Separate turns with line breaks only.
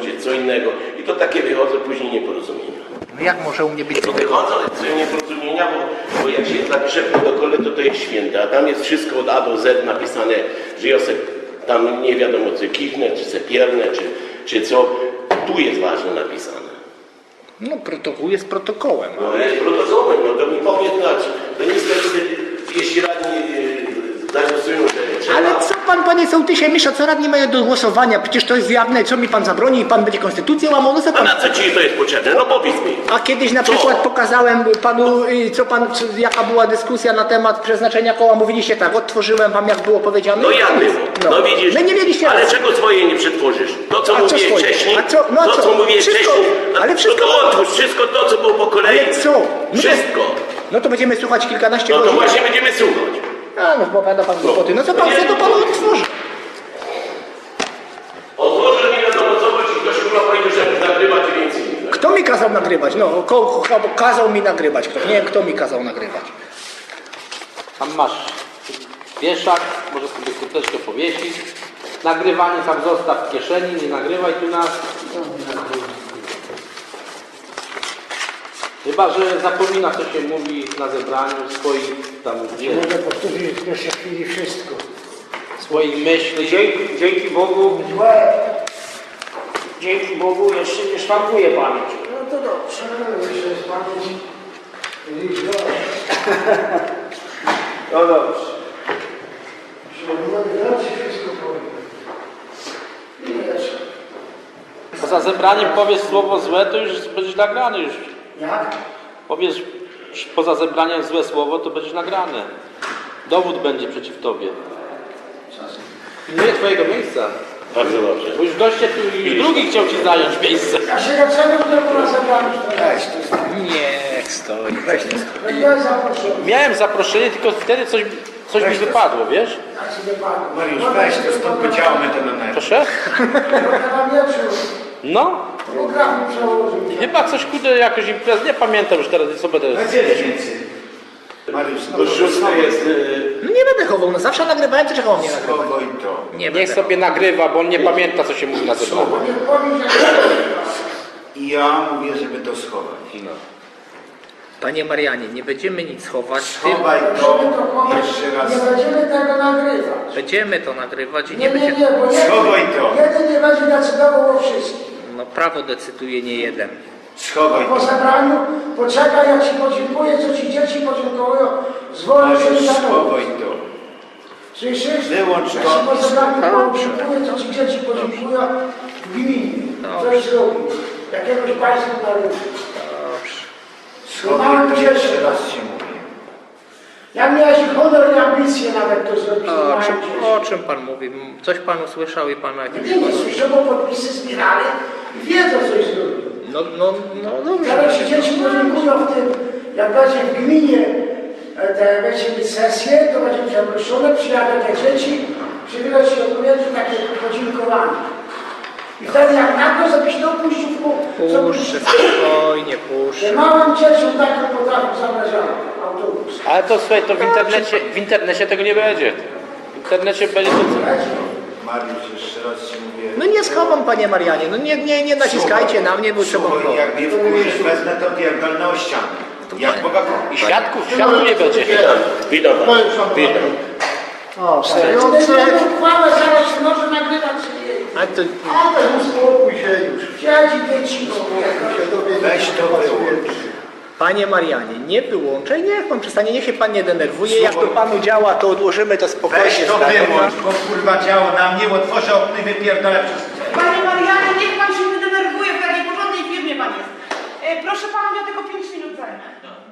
powiedzieć co innego. I to takie wychodzą później nieporozumienia.
No jak może u mnie być
To wychodzą nieporozumienia, bo jak się zapisze w protokole, to jest święte, a tam jest wszystko od A do Z napisane, że ja se tam nie wiadomo co kichnę, czy se piernę, czy co. Tu jest ważne napisane.
No protokół jest protokołem.
No jest protokołem, no to mi powie znaczy. To niestety, jeśli radni zagłosują, że trzeba...
Ale co pan, panie sołtysie, Misza, co radni mają do głosowania? Przecież to jest jawne, co mi pan zabroni i pan będzie konstytucję łamał? No co
A
pan...
na co ci to jest potrzebne? No powiedz mi.
A kiedyś na
Co?
przykład pokazałem panu, jaka była dyskusja na temat przeznaczenia koła. Mówiliście tak, odtworzyłem wam, jak było powiedziane.
No jak było? No widzisz,
My nie mieliście
ale
racji.
czego swoje nie przetworzysz? To co
A co
mówiłeś
swoje?
wcześniej,
A co? No a
to
co?
co mówiłeś
Wszystko,
wcześniej,
ale wszystko-
to odtwórz wszystko to co było po kolei.
Ale co? No to-
Wszystko.
No to będziemy słuchać kilkanaście
No to
godzin.
właśnie będziemy słuchać.
A no, opowiada pan głupoty. No co pan chce, to pan odtworzy.
Otworzę mi wiadomo co, bo ci ktoś chyba powiedział, że nagrywać i więcej nie.
Kto mi kazał nagrywać? No, kazał mi nagrywać ktoś. Nie wiem, kto mi kazał nagrywać.
Tam masz wieszak, możesz sobie kurteczkę powiesić. Nagrywanie tam zostaw w kieszeni, nie nagrywaj tu nas. Chyba, że zapomina, co się mówi na zebraniu swoich tam
Mogę powtórzyć w pierwszej chwili wszystko.
swoich myśli.
Dzięki Bogu, dzięki Bogu jeszcze nie szwankuje pamięć.
No to dobrze, jeszcze jest pamięć.
No dobrze.
Mogę wszystko powiem. I jeszcze.
Poza zebraniem powiesz słowo złe, to już będziesz nagrany już.
Jak?
Powiesz poza zebraniem złe słowo, to będziesz nagrany. Dowód będzie przeciw tobie. Pilnuję twojego miejsca.
Bardzo dobrze.
Bo już goście tu, już drugi chciał ci zająć miejsce.
Ja się dlaczego tylko na zebraniu
Niech stoi. Weź to.
Ja zaproszony.
Miałem zaproszenie, tylko wtedy coś mi wypadło, wiesz?
Jak sobie pan.
Mariusz, weź to stąd wyciągnę to na nerw.
Proszę?
Na wieczór.
No.
Program mi przełożył.
Chyba coś kurde jakoś imprez, nie pamiętam już teraz, co będę...
Więcej. Mariusz, no
Bo
to
szósty jest...
No nie będę chował, no zawsze nagrywałem, to czego mnie nagrywać?
Schowaj to.
Nie
Niech
będę.
sobie nagrywa, bo on nie pamięta, co się mówi na zebraniu.
Nie powiem,
I ja mówię, żeby to schować.
Panie Marianie, nie będziemy nic chować.
Schowaj
żeby
to
to chować,
jeszcze raz.
nie będziemy tego nagrywać.
Będziemy to nagrywać i
Nie,
nie
nie,
będzie...
nie, bo
Schowaj to.
jeden nie będzie decydował o wszystkim.
No prawo decyduje nie jeden.
Schowaj
Po
to.
zebraniu poczekaj, jak ci podziękuję, co ci dzieci podziękują, zwolę się
Mariusz,
na
schowaj to.
Słyszysz?
Wyłącz
Jak
to.
ci po zebraniu
Dobrze.
podziękuję, co ci dzieci podziękują w gminie.
Dobrze.
Coś zrobił. Jakiegoś państwa narodu.
Dobrze.
Schowaj to jeszcze raz ci mówię.
Jak miałeś honor i ambicje nawet to zrobić, to
O
mają
czym,
dzieci.
o czym pan mówi? Coś pan usłyszał i pan ma jakieś...
Nie, nie słyszą, bo podpisy zbierali i wiedzą, coś zrobił.
No dobrze.
Teraz ci dzieci podziękują w tym, jak będzie w gminie, będzie mieć sesję, to będzie zaproszone, przyjadą te dzieci, przywilej się odpowiedzi takie podziękowanie. I wtedy jak na to, żebyś to puścił w kół,
Puszczę, spokojnie, puszczę.
że małym dzieciom taką potrafią zabrażają autobus.
Ale to słuchaj, to w internecie tego nie będzie. W internecie będzie to...
Mariusz, jeszcze raz ci mówię.
No nie schowam, panie Marianie, no nie naciskajcie na mnie, bo trzeba...
Słuchaj, jak mnie wkurzysz, wezmę to diagonalną o ścianę. Jak Boga
I świadków nie będzie.
Witam pana. Witam.
O,
I one będą uchwałę, zaraz może nagrywać sobie.
ale to...
Ale uspokój się już. Siedzi dzieci,
Weź to wyłącz.
Panie Marianie, nie wyłączaj, niech pan przestanie, niech się pan nie denerwuje, jak to panu działa, to odłożymy to spokojnie.
Weź to
zdalnie.
wyłącz, bo kurwa działo na mnie, otworzę okno i wypierdolę przez...
Panie Marianie, niech pan się nie denerwuje, w takiej porządnej firmie pan jest. Proszę pana, ja tylko 5 minut zajmę.